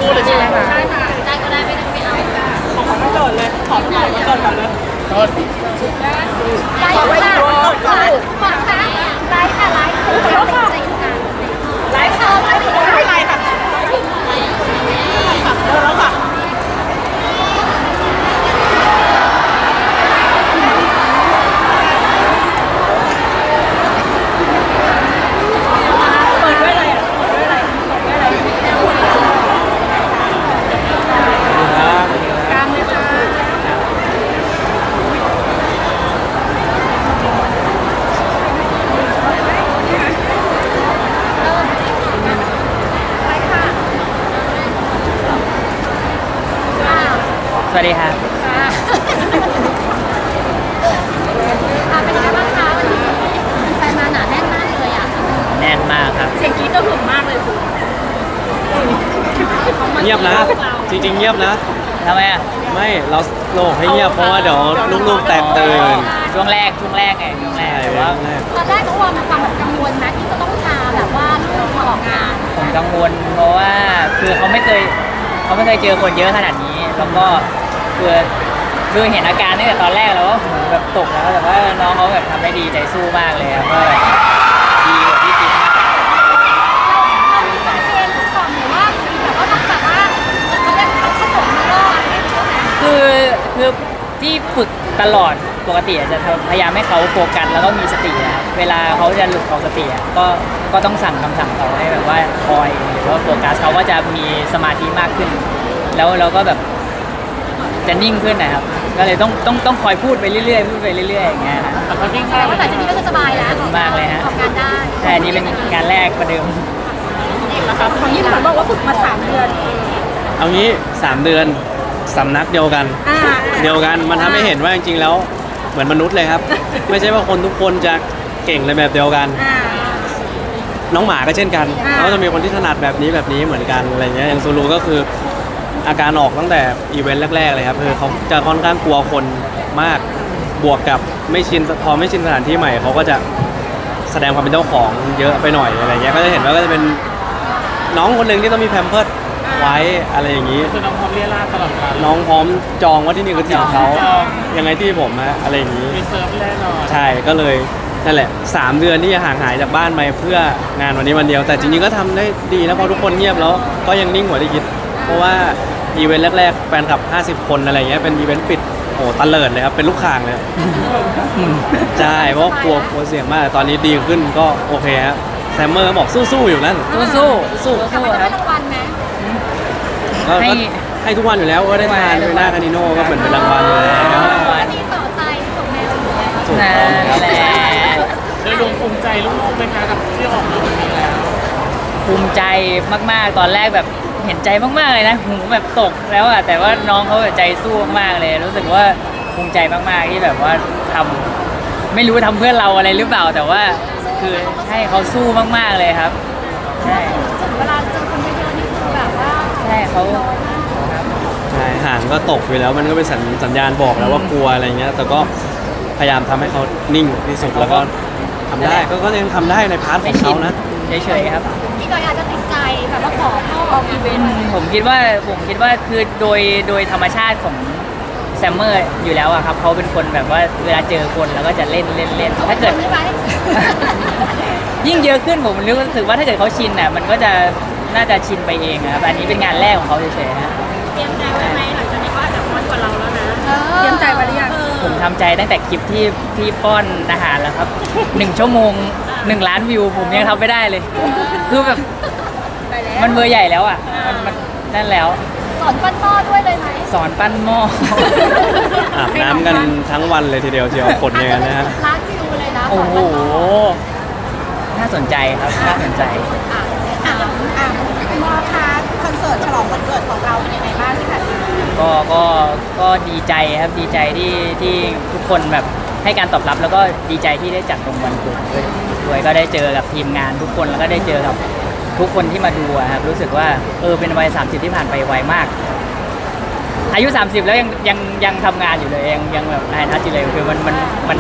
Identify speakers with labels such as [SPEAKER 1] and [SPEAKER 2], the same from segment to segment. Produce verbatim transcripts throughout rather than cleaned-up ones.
[SPEAKER 1] คู่เลยใช่ไหมคะ
[SPEAKER 2] ใช่ค่ะได้ก็ได้ไม่ได้ไม่เอา
[SPEAKER 1] ของขวัญวันเกิดเลยขอพี่หน่อยวันเกิดก่อนเลย
[SPEAKER 3] โทษ
[SPEAKER 2] ได้ค่ะขอค่ะได้ค่ะไลฟ์ขอแล้วค่ะไลฟ์ค่ะไลฟ์ค่ะ
[SPEAKER 1] ไม่เป็นไรค่ะเริ่มแล้วค่ะเปิดด้วยอะไรอ่ะเปิดด้วยอะไรเปิดด้วยอะไรกลางเลยค่ะ
[SPEAKER 4] สวัสดีครับ
[SPEAKER 2] ค่ะเป็นยังไงบ้างคะวันนี้แฟนมาหนาแน่นมากเลยอ่ะ
[SPEAKER 4] แน่นมากครับ
[SPEAKER 1] เสียงกรี๊ดก็หึงมากเลยคุณ
[SPEAKER 5] เงียบนะ จริงๆเงียบนะ
[SPEAKER 4] ทำไมอ่ะ
[SPEAKER 5] ไม่เราโลกให้เงียบเพราะว่าเดี๋ยวลูกๆแตกตื่น
[SPEAKER 4] ช่วงแรกช่วงแรกไงช่วงแร
[SPEAKER 5] ใช่
[SPEAKER 4] กแต่ว่า
[SPEAKER 5] แรก
[SPEAKER 2] ตอนแรกเขาว่ามีความแบบกังวลนะที่จะต้องพาแบบว่าลูกมาออกงาน
[SPEAKER 4] ผมกังวลเพราะว่าคือเขาไม่เคยเขาไม่เคยเจอคนเยอะขนาดนี้ แล้วก็คือคือเห็นอาการตั้งแต่ตอนแรกแล้วว่าหูแบบตกแล้วแต่ว่าน้องเขาแบบทำได้ดีใจสู้มากเลยครับก็แบบดีกว่าที่คิดมาก
[SPEAKER 2] เรามีสายเพลงหรือก่อนหรือว่ามีแบบว่าต้องแบบว่าเขาเรียกเขาขนมแล้วก็อะไรอย่างเงี้ยนะ
[SPEAKER 4] คือคือที่ฝึกตลอดปกติอะจะพยายามให้เขาโฟกัสแล้วก็มีสตินะครับเวลาเขาจะหลุดออกสติอะก็ก็ต้องสั่งคำสั่งเขาให้แบบว่าคอยหรือว่าโฟกัสเขาก็จะมีสมาธิมากขึ้น แล้วเราก็แบบจะนิ่งขึ้นนะครับก็เลยต้องต้องต้องคอยพูดไปเรื่อยๆพูดไปเรื่อยๆอย่างเงี้ยนะ
[SPEAKER 3] แต่เขานิ่ง
[SPEAKER 2] แส
[SPEAKER 3] มา
[SPEAKER 2] ด
[SPEAKER 3] ก
[SPEAKER 2] งว่าหลังจากนี้ก็คือสบายแล้ว
[SPEAKER 4] มากเลยฮะ
[SPEAKER 2] ออกงานได้
[SPEAKER 4] ใช่อันนี้เป็นงานแรกประเดิม
[SPEAKER 1] นะครับของยี่ห้อบอกว่าฝึกมาสามเดือน
[SPEAKER 5] เอางี้สามเดือนสำนักเดียวกัน
[SPEAKER 1] อ่า
[SPEAKER 5] เดียวกันมันทำให้เห็นว่าจริงๆแล้วเหมือนมนุษย์เลยครับ ไม่ใช่ว่าคนทุกคนจะเก่งในแบบเดียวกัน
[SPEAKER 1] อ่า
[SPEAKER 5] น้องหมาก็เช่นกัน
[SPEAKER 1] อ่า
[SPEAKER 5] เขาจะมีคนที่ถนัดแบบนี้แบบนี้เหมือนกันอะไรเงี้ยอย่างซูรูก็คืออาการออกตั้งแต่อีเวนต์แรกๆเลยครับคือเขาจะค่อนข้างกลัวคนมากบวกกับไม่ชินพอไม่ชินสถานที่ใหม่เขาก็จะแสดงความเป็นเจ้าของเยอะไปหน่อยอะไรเงี้ยก็จะเห็นว่าก็จะเป็นน้องคนหนึ่งที่ต้องมีแพมเพิร์สไว้อะไรอย่างนี้
[SPEAKER 3] คือน้องพร้อมเรียราดตลอดเวลา
[SPEAKER 5] น้องพร้อมจองว่าที่นี่คือถิ่นเขา
[SPEAKER 3] จอง
[SPEAKER 5] ยังไงที่ผมฮะอะไรอย่างนี้
[SPEAKER 3] มีเซิร์ฟแน่นอน
[SPEAKER 5] ใช่ก็เลยนั่นแหละสามเดือนที่ห่างหายจากบ้านไปเพื่องานวันนี้วันเดียว แต่จริงๆก็ทำได้ดีนะเพราะทุกคนเงียบแล้วก็ยังนิ่งกว่าที่คิด เพราะว่าอีเวนต์แรกๆแฟนคลับห้าสิบคนอะไรเงี้ยเป็นอีเวนต์ปิดโอ้ตะเลิดเลยครับเป็นลูกข่างเลยใช่เพราะกลัวกลัวเสี่ยงมากแต่ตอนนี้ดีขึ้นก็โอเคฮะแซมเมอร์บอกสู้ๆอยู่นั่น
[SPEAKER 4] สู้สู้สู้
[SPEAKER 2] แต่
[SPEAKER 4] สู้
[SPEAKER 2] มันจะ
[SPEAKER 4] ค
[SPEAKER 2] ได้
[SPEAKER 4] รับ
[SPEAKER 2] รางวัลไหม
[SPEAKER 5] ก็
[SPEAKER 4] ให้
[SPEAKER 5] ก็ให้ทุกวันอยู่แล้วก็ได้ทาน
[SPEAKER 4] ทุ
[SPEAKER 5] ด้ว
[SPEAKER 4] ก
[SPEAKER 5] ย
[SPEAKER 4] วัน
[SPEAKER 5] หน้าคานิโน่ก็เหมือนเป็นรางวัลอยู่แล้ว
[SPEAKER 2] ก็ดีต่อใจของแมวอยู่แล้ว
[SPEAKER 5] ถูก
[SPEAKER 4] นั่
[SPEAKER 5] ต้อง
[SPEAKER 4] นแหละ
[SPEAKER 3] โดยรวมภูมิใจลูกๆไหมคะกับที่ออกมาวันนี้แล้ว
[SPEAKER 4] ภูมิใจมากๆตอนแรกแบบเห็นใจมากๆเลยนะหูแบบตกแล้วอ่ะแต่ว่าน้องเขาแบบใจสู้มากๆเลย รู้สึกว่าภูมิใจมากๆที่แบบว่าทำไม่รู้ทำเพื่อเราอะไรหรือเปล่า แต่ว่าคือให้เขาสู้มากๆเลยครับใช่
[SPEAKER 2] ถึงเวลาเจอคนเยอะๆนี่คือแบบว่า
[SPEAKER 4] ใช่เขา
[SPEAKER 2] น้อยมาก
[SPEAKER 5] ใช่ห่างก็ตกอยู่แล้วมันก็เป็นสัญสัญญาณบอกแล้วว่ากลัวอะไรเงี้ยแต่ก็พยายามทำให้เขานิ่งที่สุดแล้วก็ทำได้ก็ก็ยังทำได้ในพาร์ทข
[SPEAKER 4] ไม่
[SPEAKER 5] อง
[SPEAKER 4] ชิ
[SPEAKER 5] เขา
[SPEAKER 4] น
[SPEAKER 5] นะ
[SPEAKER 4] เฉยๆครับ
[SPEAKER 2] พี่ดอยอาจจะติดใจแบบว่าขอพ่อออกอีเวนต์
[SPEAKER 4] ผมคิดว่าผมคิดว่าคือโดยโดยธรรมชาติของแซมเมอร์อยู่แล้วอะครับเขาเป็นคนแบบว่าเวลาเจอคนแล้วก็จะเล่นเล่นเล่นถ้าเกิด
[SPEAKER 2] ใช่ไหม
[SPEAKER 4] ยิ่งเยอะขึ้นผมรู้สึกว่าถ้าเกิดเขาชินอ่ะมันก็จะน่าจะชินไปเองอะครับอันนี้เป็นงานแรกของเขาเฉยๆฮะ
[SPEAKER 1] เตรียมใจไว้ไหมหลังจากนี้ก็อาจจะน้อยกว่าเราแล้วนะ
[SPEAKER 2] เออ
[SPEAKER 1] เตรียมใจไว้หรือยัง
[SPEAKER 4] ผมทำใจตั้งแต่คลิปที่ที่ป้อนอาหารแล้วครับหนึ่งชั่วโมงหนึ่งล้านวิวผมยังทำไม่ได้เลยคือแบบ
[SPEAKER 2] ไปแล้ว
[SPEAKER 4] มันเบอร์ใหญ่แล้วอ่ะมันมันนั่นแล้ว
[SPEAKER 2] สอนปั้นหม้อด้วยเลยไหม
[SPEAKER 4] สอนปั้นหม้อ
[SPEAKER 5] อาบน้ำกันทั้งวันเลยทีเดียวเชียวขนอย่างนั้นนะฮะ
[SPEAKER 2] ร้านวิวเลยนะ
[SPEAKER 4] โอ้โห
[SPEAKER 2] สอนปั้นม้อ
[SPEAKER 4] น่าสนใจครับน่าสนใจ
[SPEAKER 2] อ่ะอ่ะอ่ะคุณพ่อคะคอนเสิร์ตฉลองวันเกิดของเราเป็นยังไงบ้างที่ผ่านมา
[SPEAKER 4] ก็ก็ก็ดีใจครับดีใจที่ที่ทุกคนแบบให้การตอบรับแล้วก็ดีใจที่ได้จัดตรงวันเกิดด้วยด้วยก็ได้เจอกับทีมงานทุกคนแล้วก็ได้เจอกับทุกคนที่มาดูอะครับรู้สึกว่าเออเป็นวัยสามสิบที่ผ่านไปไวมาก อายุสามสิบแล้วยังยังยังทำงานอยู่เลยยังยังแบบนายทัชอยู่เลยคือมันมันมัน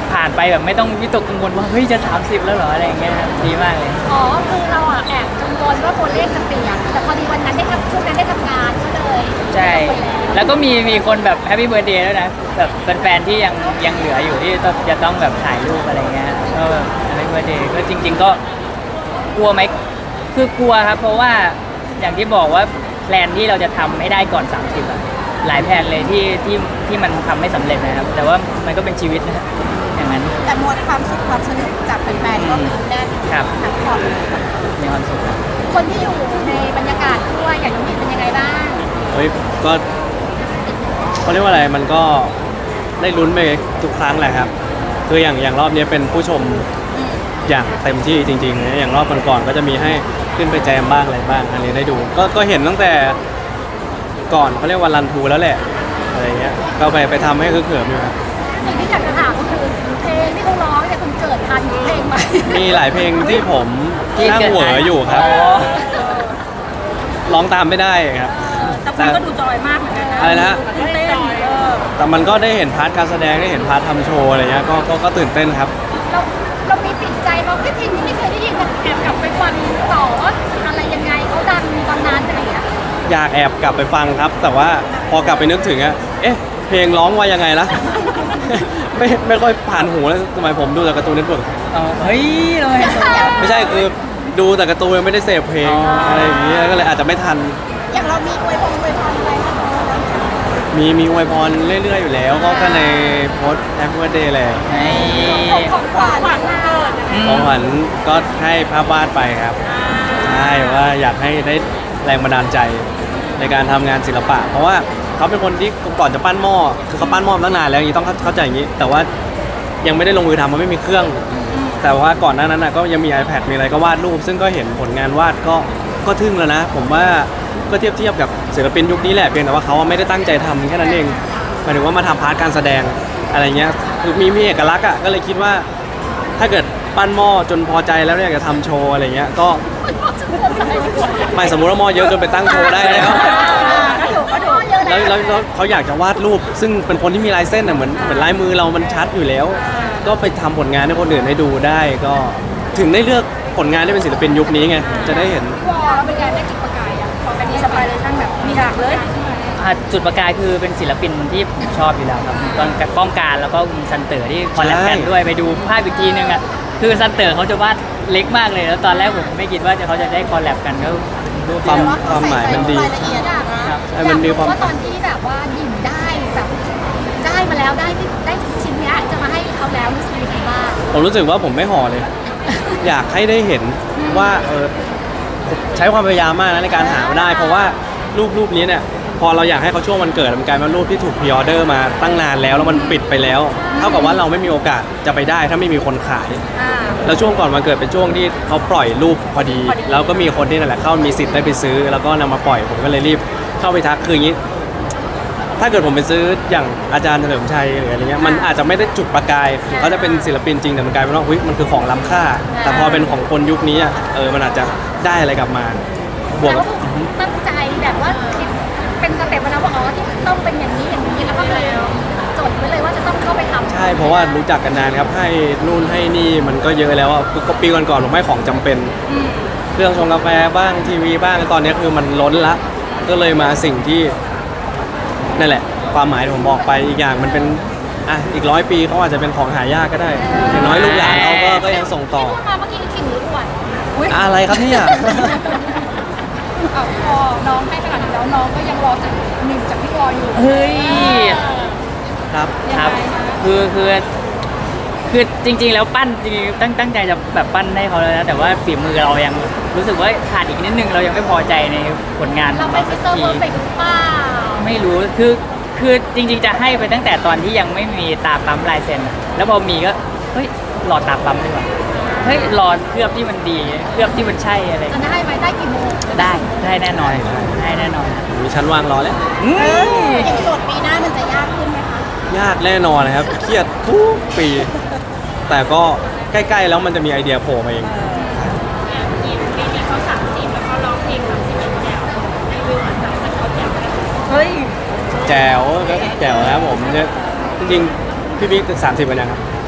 [SPEAKER 4] ผ่านไปแบบไม่ต้องวิตกกังวลว่าเฮ้ยจะสามสิบแล้วเหรออะไรอย่างเงี้ยครับดีมากเลย
[SPEAKER 2] อ๋อคือเราอ่ะแอบกังวลว่าตัวเลขจะเปลี่ยนแต่พอดีวันนั้นได้ทำช่วงนั้นได้ทำงานก็เลย
[SPEAKER 4] ใช่
[SPEAKER 2] ไม่ต้องไปแล้ว
[SPEAKER 4] แล้วก็มีมีคนแบบแฮปปี้เบิร์ดเดย์ด้วยนะแบบแฟนๆที่ยังยังเหลืออยู่ที่ต้องจะต้องแบบถ่ายรูปอะไรเงี้ยก็แบบแฮปปี้เบิร์ดเดย์ก็จริง ๆ ก็กลัวไหมคือกลัวครับ เพราะว่าอย่างที่บอกว่าแพลนที่เราจะทำให้ได้ก่อน สามสิบอะหลายแพลนเลยที่ที่ที่มันทำไม่สำเร็จนะครับ แต่ว่ามันก็เป็นชีวิตนะอย่างนั้น
[SPEAKER 1] แต่มวลความสุขความสนุกจากแฟนๆก็มีแน่น
[SPEAKER 4] ครับ
[SPEAKER 1] ทั้งพอร์ตเลย
[SPEAKER 4] มีความสุขครับ
[SPEAKER 2] คนที่อยู่ในบรรยากาศด้วยอย่างน้องมินเป็นยังไงบ้าง
[SPEAKER 5] เฮ้ยก็เขาเรียกว่าอะไรมันก็ได้ลุ้นไปทุกครั้งแหละครับคืออย่างอย่างรอบนี้เป็นผู้ชมอย่างเต็มที่จริงๆนะอย่างรอบก่อนๆก็จะมีให้ขึ้นไปแจมบ้างอะไรบ้างอันนี้ได้ดู ก็ก็เห็นตั้งแต่ก่อนเขาเรียกว่ารันทูแล้วแหละอะไรเงี้ยก็ไปไปทำให้คือเขิมอยู่ครับ
[SPEAKER 2] สิ่งที่อยากจะถามก็คือเพลงที่เขาร้องเนี่ยคุณเกิดทันเพลงไหม
[SPEAKER 5] มีหลายเพลงที่ผม
[SPEAKER 4] ที่
[SPEAKER 5] นั่ง
[SPEAKER 4] เกิด
[SPEAKER 5] เหวออยู่ครับ
[SPEAKER 4] อ๋อ
[SPEAKER 5] ร้องตามไม่ได้ครับ
[SPEAKER 1] แต่คุณก็ดูจอยมากเหมือนกันนะ
[SPEAKER 5] อะไรนะ
[SPEAKER 1] ตื่นเต้นเออ
[SPEAKER 5] แต่มันก็ได้เห็นพาร์ทการแสดงได้เห็นพาร์ททำโชว์อะไรเงี้ยก็ก็ก็ตื่นเต้นครับ
[SPEAKER 2] เราเรามีติดใจเราเพลงนี้ไม่เคยได้ยินแอบกลับไปฟังต่อว่าอะไรยังไงเขาดังตอนนั้นอะไรอย่างเงี้ย
[SPEAKER 5] อยากแอบกลับไปฟังครับ แต่ว่าพอกลับไปนึกถึงอะเอ๊ะ เพลงร้องว่ายังไงล่ะ ไม่ไม่ค่อยผ่านหูแล้วสมัยผมดูแต่การ์ตูนเน็ตเวิร์ก
[SPEAKER 4] อ๋อเฮ้ยทำไม
[SPEAKER 5] ไม่ใช่คือดูแต่การ์ตูนไม่ได้เสพเพลง
[SPEAKER 4] อ๋ออ
[SPEAKER 5] อะไรอย่างนี้ก็เลยอาจจะไม่ทัน
[SPEAKER 1] อย่างเรามีอวยพรอวยพรอะไรให้เขาบ้าง
[SPEAKER 5] มีมีอวยพรเรื่อยๆอยู่แล้ว ก็ก็ในโพสแฮปปี้วันเดย์แหละ
[SPEAKER 4] ไอ้
[SPEAKER 2] ของขวัญ
[SPEAKER 1] ขวัญวันเกิด
[SPEAKER 4] อืม
[SPEAKER 5] ของขวัญก็ให้ภาพวาดไปครับใช่ว่าอยากให้ได้แรงบันดาลใจในการทำงานศิลปะ เพราะว่าเขาเป็นคนที่ก่อนจะปั้นหม้อคือเขาปั้นหม้อมาตั้งนานแล้วอย่างนี้ต้องเข้าใจอย่างนี้ แต่ว่ายังไม่ได้ลงมือทำมันไม่มีเครื่อง แต่ว่าก่อนหน้านั้นนะก็ยังมี iPad มีอะไรก็วาดรูป ซึ่งก็เห็นผลงานวาดก็ก็ทึ่งแล้วนะ ผมว่าก็เทียบเทียบกับศิลปินยุคนี้แหละเพียงแต่ว่าเขาไม่ได้ตั้งใจทำแค่นั้นเองหมายถึงว่ามาทำพาร์ทการแสดงอะไรเงี้ยคือมีมีเอกลักษณ์อ่ะก็เลยคิดว่า ถ้าเกิดปั้นหม้อจนพอใจแล้วอยากจะทำโชว์อะไรเงี้ยก็ไม่สมมติว่าหม้อเยอะจนไปตั้งโชว์ได้แล้ว
[SPEAKER 1] ก็ถูกก็ถูก
[SPEAKER 2] เยอะ
[SPEAKER 5] แล้ว
[SPEAKER 2] นะ
[SPEAKER 5] แล้วแล้วเขาอยากจะวาดรูป ซึ่งเป็นคนที่มีลายเส้นอ่ะเหมือนเหมือนลายมือเรามันชัดอยู่แล้ว ก็ไปทำผลงานให้คนอื่นได้ดูได้ก็ถึงได้เลือกผลงานที่เป็นศิลปินยุคนี้ไงจะได้เห็น
[SPEAKER 1] วอแล้วเป็นไงได้จุดประกายอ่ะพอกันนี้สบายเลยช่างแบบมีหลากเลย
[SPEAKER 4] อ่ะจุดประกายคือเป็นศิลปินที่ผมชอบอยู่แล้วครับตอนกับก้องการแล้วก็คุณซันเตอร์ที่คอลแลบกันด้วยไปดูภาพอีกทีนึงอ่ะคือซันเตอร์เขาจะวาดเล็กมากเลย แล้วตอนแรกผมไม่คิดว่าจะเขาจะได้คอลแลบกันก็รูป
[SPEAKER 5] ความ
[SPEAKER 4] ที่
[SPEAKER 5] ความหมายมันดี
[SPEAKER 1] รายละเอียดอะนะ
[SPEAKER 4] ครับ
[SPEAKER 5] ให้มันมีความ
[SPEAKER 2] อยกรู้ว่าตอนที่แบบว่าหยิบได้แบบได้มาแล้วได้ที่ได้ชิ้นเนี้ยจะมาให้เขาแล้วรู้สึกยังไงบ้าง
[SPEAKER 5] ผมรู้สึกว่าผมไม่ห่อเลย อยากให้ได้เห็นว่าเออใช้ความพยายามมากนะในการหามาได้ เพราะว่ารูปรูปนี้เนี่ยพอเราอยากให้เขาช่วงวันเกิดมันกลายเป็นรูปที่ถูกพรีออเดอร์มาตั้งนานแล้วแล้วมันปิดไปแล้ว เท่ากับว่าเราไม่มีโอกาสจะไปได้ถ้าไม่มีคนขาย
[SPEAKER 1] อ่า
[SPEAKER 5] แล้วช่วงก่อนวันเกิดเป็นช่วงที่เขาปล่อยรูปพอดี
[SPEAKER 1] พอดี
[SPEAKER 5] แล้วก็มีคนที่นั่นแหละเข้ามีสิทธิ์ได้ไปซื้อ แล้วก็นำมาปล่อยผมก็เลยรีบเข้าไปทักคืออย่างนี้ ถ้าเกิดผมไปซื้ออย่างอาจารย์เฉลิมชัยหรืออะไรเงี้ยมันอาจจะไม่ได้จุดประกายเขาจะเป็นศิลปินจริงแต่มันกลายเป็นว่าอุ๊ยมันคือของล้ำค่า แต่พอเป็นของคนยุคนี้อะเออมันอาจจะได้อะไรกลับมาบวก
[SPEAKER 2] แล้
[SPEAKER 5] กั
[SPEAKER 2] ว
[SPEAKER 5] บ
[SPEAKER 2] ตั้งใจแบบว่าคิดเป็นสเต็ปมาแล้วว่าอ๋อที่ต้องเป็นอย่างนี้อย่างนี้แล้วก็เลยจดไว้เลยว่าจะต้องเข้าไปทำ
[SPEAKER 5] ใช่เพราะว่ารู้จักกันนานครับให้นู่นให้นี่มันก็เยอะแล้วอ่ะก็ปีก่อนๆผมให้ของจำเป็น เครื่องชงกาแฟบ้างทีวีบ้างตอนนี้คือมันล้นละก็เลยมาสิ่งที่นั่นแหละ ความหมายที่ผมบอกไปอีกอย่างมันเป็นอ่ะอีกร้อยปีเขาอาจจะเป็นของหายากก็ได้อย่างน้อยลูกหลานเขาก็ก็ยังส่งต่อ
[SPEAKER 2] ที่พูดมาเมื่อกี้คือขิงหรืออวด
[SPEAKER 5] อะไรครับเนี่ย
[SPEAKER 1] เอาพอน้องให้ขนาดนี้แล้วน้องก็ยังรอจากหนึ่งจากพี่วออยู่
[SPEAKER 4] เฮ้ย
[SPEAKER 5] ครับ
[SPEAKER 4] ครับคือคือคือจริง ๆ แล้วปั้นจริงๆตั้งตั้งใจจะแบบปั้นให้เขาแล้วนะแต่ว่าฝีมือเรายังรู้สึกว่าขาดอีกนิดนึงเรายังไม่พอใจในผลงานข
[SPEAKER 2] เรา
[SPEAKER 4] อง
[SPEAKER 2] เป็
[SPEAKER 4] เรา
[SPEAKER 2] น
[SPEAKER 4] สั
[SPEAKER 2] มิ
[SPEAKER 4] ก
[SPEAKER 2] สเตอร์เพอร์
[SPEAKER 4] ที
[SPEAKER 2] เฟกต์หรือเปล่า
[SPEAKER 4] ไม่รู้คือคือจริง ๆ จะให้ไปตั้งแต่ตอนที่ยังไม่มีตาปั๊มลายเซ็นอะแล้วพอมีก็เฮ้ยรอตาปั๊มดีกว่าเฮ้ยรอเคลือบที่มันดีเคลือบที่มันใช่อะไร
[SPEAKER 2] จะได้ไหมได้กี่โมง
[SPEAKER 4] ได้ได้แน่นอน
[SPEAKER 5] ได้
[SPEAKER 4] ได้แน่นอน
[SPEAKER 5] มีชั้นวางรอแล้ว
[SPEAKER 4] อืม
[SPEAKER 1] อย่างโจทย์ปีหน้ามันจะยากขึ้นไหมคะ
[SPEAKER 5] ยากแน่นอนนะครับ เครียดทุกปี แต่ก็ใกล้ๆแล้วมันจะมีไอเดียโผล่มาเอง
[SPEAKER 1] ปีนี้เขาสามสิบแล้วเขาร้องเพลงสามสิบเอ็ดแนวในวิวเหมือนแบบจะเขาแจ๋วเฮ้ย
[SPEAKER 5] แจ๋วก็แจ๋วนะครับผมเนี่ยจริงๆพี่บิ๊กสามสิบกันยังครับ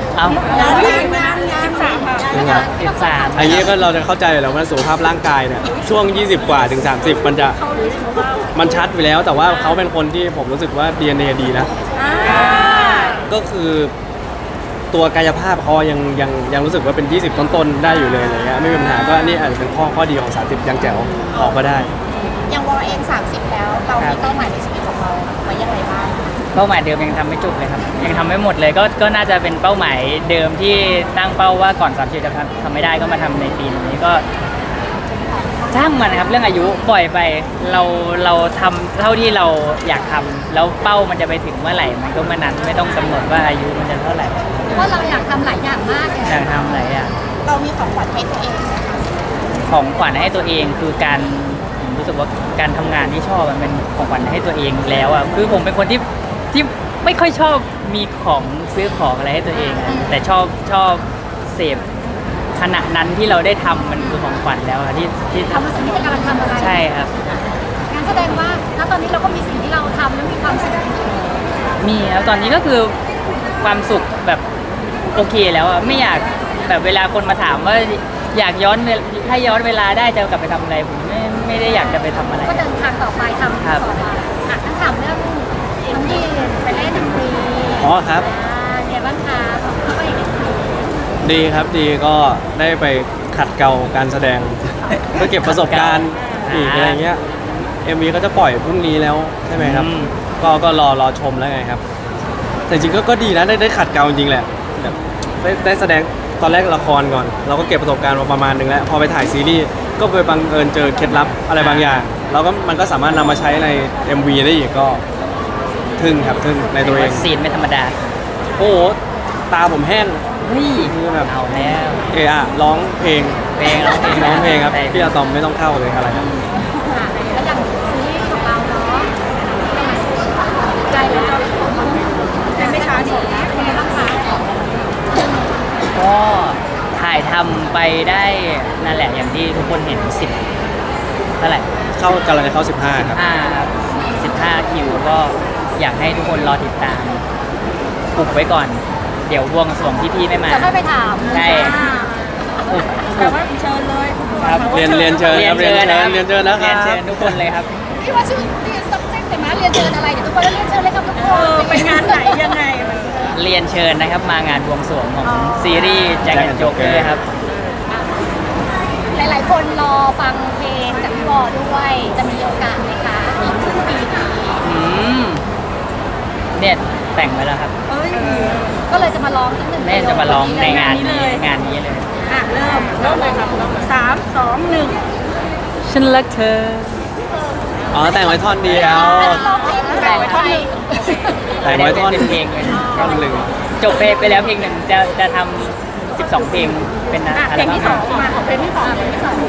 [SPEAKER 4] เอา
[SPEAKER 2] งานงานงาน
[SPEAKER 1] สามค่ะ
[SPEAKER 5] จริงเหรอ
[SPEAKER 4] สิบสาม
[SPEAKER 5] อันนี้ก็เราจะเข้าใจอยู่แล้วว่าสุขภาพร่างกายเนี่ยช่วง ยี่สิบ กว่าถึง สามสิบ มันจะมันชัดไปแล้ว แต่ว่าเขาเป็นคนที่ผมรู้สึกว่า ดี เอ็น เอ ดีนะ ก็คือตัวกายภาพเขายังยังยังรู้สึกว่าเป็น ยี่สิบ ต้นๆได้อยู่เลยอะไรเงี้ยไม่มีปัญหาก็นี่อาจจะเป็นข้อข้อดีของ สามสิบ ยังแจ๋วออกก็ได้
[SPEAKER 2] อย่างวอลเองสามสิบแล้วเรามีเป้าหมายในชีวิตของเราไว้ยังไงบ้าง
[SPEAKER 4] เป้าหมายเดิมยังทำไม่จบเลยครับยังทำไม่หมดเลยก็ก็น่าจะเป็นเป้าหมายเดิมที่ตั้งเป้าว่าก่อนสามสิบจะทำทำไม่ได้ก็มาทำในปีนี้ก็ช่างมันนะครับเรื่องอายุปล่อยไปเราเราทำเท่าที่เราอยากทำแล้วเป้ามันจะไปถึงเมื่อไหร่มันก็เมื่อนั้นไม่ต้องกำหนดว่าอายุมันจะเท่าไหร่
[SPEAKER 2] เพราะว่าเราอยากทำหลายอย่างมากเลย
[SPEAKER 4] อยากทำอะไรอ่ะ
[SPEAKER 2] เรามีของขวัญให้ตัวเองไหมคะ
[SPEAKER 4] ของขวัญให้ตัวเองคือการผมรู้สึกว่าการทำงานที่ชอบมันเป็นของขวัญให้ตัวเองแล้วอ่ะคือผมเป็นคนที่ที่ไม่ค่อยชอบมีของซื้อของอะไรให้ตัวเองอะแต่ชอบชอบเสพขณะนั้นที่เราได้ทำมันคือของขวัญแล้วอะที่ที่
[SPEAKER 2] ทำมาสิ่งที่กำลังทำอะไร
[SPEAKER 4] ใช่ครับ
[SPEAKER 2] งั้นแสดงว่าณตอนนี้เราก็มีสิ่งที่เราทำแล้วมีความสุข
[SPEAKER 4] มีครับตอนนี้ก็คือความสุขแบบโอเคแล้วอะไม่อยากแบบเวลาคนมาถามว่าอยากย้อนเวลถ้าย้อนเวลาได้จะกลับไปทำอะไรผมไม่ไม่ได้อยากจะไปทำอะไร
[SPEAKER 2] ก็เดินทางต่อไปทำ
[SPEAKER 4] ครับ
[SPEAKER 2] ต่อไปอ่ะงั้นถามเรื่องน้องดีไปเล่นดนตรี
[SPEAKER 5] อ๋อครับ
[SPEAKER 2] อ่าเนี่ยบ้างคะของเขาไปเล่นดนตรี
[SPEAKER 5] ดีครับดีก็ได้ไปขัดเกลาการแสดง เพื่อเก็บประสบการณ์อีกอะไรเงี้ย เอ็ม วี ก็จะปล่อยพรุ่งนี้แล้วใช่ไหมครับ
[SPEAKER 4] อืม
[SPEAKER 5] ก็ก็รอรอชมแล้วไงครับ แต่จริงๆก็ก็ดีนะได้ได้ขัดเกลาจริงๆแหละแบบได้ได้แสดงตอนแรกละครก่อน เราก็เก็บประสบการณ์มาประมาณหนึงแล้ว พอไปถ่ายซีรีส์ก็ไปบังเอิญเจอเคล็ดลับอะไรบางอย่างเราก็มันก็สามารถนำมาใช้ใน เอ็ม วี ได้อีกก็ทึ่งครับทึ่งในตัวเอง
[SPEAKER 4] ซีนไม่ธรรมดา
[SPEAKER 5] โอ้โหตาผมแห้ง
[SPEAKER 4] เฮ้ย
[SPEAKER 5] คือแบบ
[SPEAKER 4] เอาแล้ว
[SPEAKER 5] เอออะร้องเพลง
[SPEAKER 4] เพลงร้องเพลง
[SPEAKER 5] ร้องเพลงครับ
[SPEAKER 4] ใช่
[SPEAKER 5] พี่อะตอมไม่ต้องเข้าเลยอะไรครับ
[SPEAKER 2] อ่ะแล้วอย่างซีรีส์ของเราเนาะใจแล้วเป็นไม่ช้าสดนะเป็นไงบ้างคะ
[SPEAKER 4] ก็ถ่ายทำไปได้นั่นแหละอย่างที่ทุกคนเห็นสิบเท่าไหร่
[SPEAKER 5] เข้ากำลังจะเข้าสิบห้าครับ
[SPEAKER 4] ห้าสิบห้าคิวก็อยากให้ทุกคนรอติดตามปลุกไว้ก่อน เดี๋ยวบวงสรวงพี่ๆไม่มา
[SPEAKER 2] จะค่อยไปถาม
[SPEAKER 4] ใช่ ปลุกปลุก
[SPEAKER 2] เชิญเลย
[SPEAKER 4] ครับ
[SPEAKER 5] เรียนเรียนเชิญครับเรียนเชิญเรียนเชิญนะครับ
[SPEAKER 4] เรียนเชิญทุกคนเลยครับ
[SPEAKER 2] พี่ว่าชื่อเรียน subject แต่มาเรียนเชิญอะไรเดี๋ยวทุกคนเรียนเชิญเลยครับทุกคน
[SPEAKER 1] ไปงานไหนยังไงมัน
[SPEAKER 4] เรียนเชิญนะครับมางานบวงสรวงของ
[SPEAKER 2] อ๋อ
[SPEAKER 4] ซีรีส์แจ็คแอนด์โจ๊กเกอร์ครับ
[SPEAKER 2] หลายๆ คนรอฟังเพลงจากพี่บอด้วย จะมีโอกาสไหมคะอีกครึ่งปีนี้
[SPEAKER 4] อืมเนี่ยแต่งไว้แล้วครับ
[SPEAKER 1] เอ้ย
[SPEAKER 2] ก็เลยจะมาร้องสักหนึ่ง
[SPEAKER 4] แม่จะมาร้องในงาน
[SPEAKER 1] นี้
[SPEAKER 4] นี้
[SPEAKER 1] เลย
[SPEAKER 4] งานนี้เลย
[SPEAKER 1] อ่ะเริ่มเริ่มเลยครับเริ่มเลยสามสองหนึ่ง
[SPEAKER 4] ฉันรักเธอ
[SPEAKER 5] อ๋อแต่งไว้ท่อนเดียว
[SPEAKER 2] ร้องเพลง
[SPEAKER 4] แต่งไว้ท่อนหนึ่ง
[SPEAKER 5] แต่งไว้ท่อน
[SPEAKER 4] เป็นเพลงเลย
[SPEAKER 5] ท่อนหนึ่ง
[SPEAKER 4] จบเพลงไปแล้วเพลงหนึ่งจะจะทำสิบสองเพลงเป็นอะ
[SPEAKER 1] อ่ะ
[SPEAKER 4] อั
[SPEAKER 1] เพ
[SPEAKER 4] ล
[SPEAKER 1] ลง
[SPEAKER 4] บั้
[SPEAKER 1] ที่
[SPEAKER 4] ม
[SPEAKER 1] สองมาของเพลงที่สองเพลงที่สอง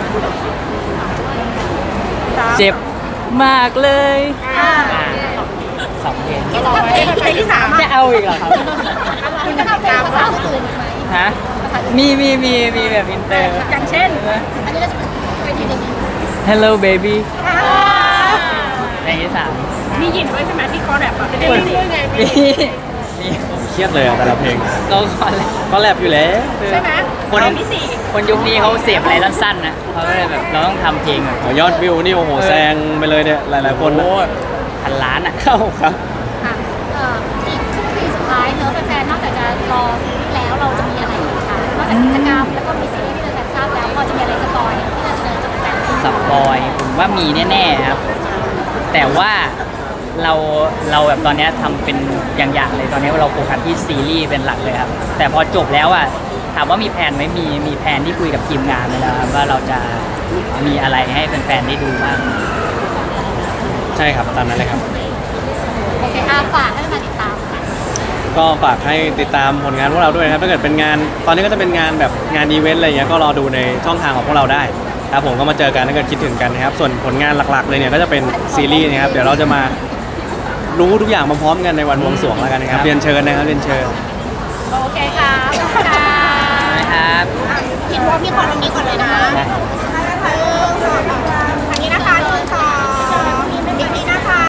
[SPEAKER 1] สาม
[SPEAKER 4] เจ็บมากเลย
[SPEAKER 1] อ่า
[SPEAKER 4] อ่าสองเพลง
[SPEAKER 2] จะทำเพลง
[SPEAKER 1] เพลงที่สาม
[SPEAKER 4] จะเอาอีกเหรอครับ
[SPEAKER 2] คุณจะทำเพลงภาษาอื่นอีกไหม
[SPEAKER 4] ฮะมีมีมีมีแบบอินเตอร์
[SPEAKER 1] อย่างเช่น
[SPEAKER 2] อันนี้เราจะไปทีหนึง
[SPEAKER 4] Hello baby
[SPEAKER 1] อ่า
[SPEAKER 4] เพลงที่สาม
[SPEAKER 1] มีหยินด้วยใช่ไหมที่คอแรปอ่ะเป็นเรื่องไง
[SPEAKER 4] มีมี
[SPEAKER 5] เครียดเลยอะแต่ละเพลง
[SPEAKER 4] ก็ก่อนเลย
[SPEAKER 5] ก็แรปอยู่แล้ว
[SPEAKER 1] ใช่ไหม
[SPEAKER 4] คน
[SPEAKER 1] เพลงที่สี่
[SPEAKER 4] คนยุคนี้เขาเสียบอะไรสั้นๆนะเขาก็เลยแบบเราต้องทำเพลงแบบ
[SPEAKER 5] อ๋อยอดวิวนี่โอ้โห
[SPEAKER 4] เออ
[SPEAKER 5] แซงไปเลยเนี่ยหลายๆคนนะ
[SPEAKER 4] โอ้พันล้านอ่ะ
[SPEAKER 5] เข้าครับ
[SPEAKER 2] ค่ะเอ่ออีกครึ่งปีสุดท้ายเนอะแฟนๆนอกจากจะรอซีรีส์แล้วเราจะมีอะไรอีกคะนอกจากกิจกรรมแล้วก็มีซีรีส์ที่เราแฟนทราบแล้วพอจะมีอะไรสปอยที่เราจะเจอจากแฟน
[SPEAKER 4] สปอยผมว่ามีแน่ๆครับ แต่ว่าเราเราแบบตอนเนี้ยทำเป็นอย่างๆเลยตอนนี้เราโฟกัสที่ซีรีส์เป็นหลักเลยครับ แต่พอจบแล้วอ่ะถามว่ามีแผนไหมมีมีแผนที่คุยกับทีมงานไปแล้วครับว่าเราจะมีอะไรให้แฟนๆได้ดูบ้าง
[SPEAKER 5] ใช่ครับตามนั้นเลยครับ
[SPEAKER 2] โอเคอาฝากให้มาติดตาม
[SPEAKER 5] ก็ฝากให้ติดตามผลงานพวกเราด้วยนะครับถ้าเกิดเป็นงาน ตอนนี้ก็จะเป็นงานแบบงานอีเวนต์อะไรเงี้ยก็รอดูในช่องทางของพวกเราได้ครับผมก็มาเจอกันถ้าเกิดคิดถึงกันนะครับส่วนผลงานหลักๆเลยเนี่ยก็จะเป็นซีรีส์นะครับเดี๋ยวเราจะมารู้ทุกอย่างมาพร้อมกันในวันบวงสรวงแล้วกันนะครับเรียนเชิญนะครับเรียนเชิญ
[SPEAKER 2] โอเคค่ะขอบคุณค่ะ
[SPEAKER 4] นะครับ
[SPEAKER 2] เห็นว่าพี่ขอตรงนี้ก่อนเลยนะ
[SPEAKER 4] นะ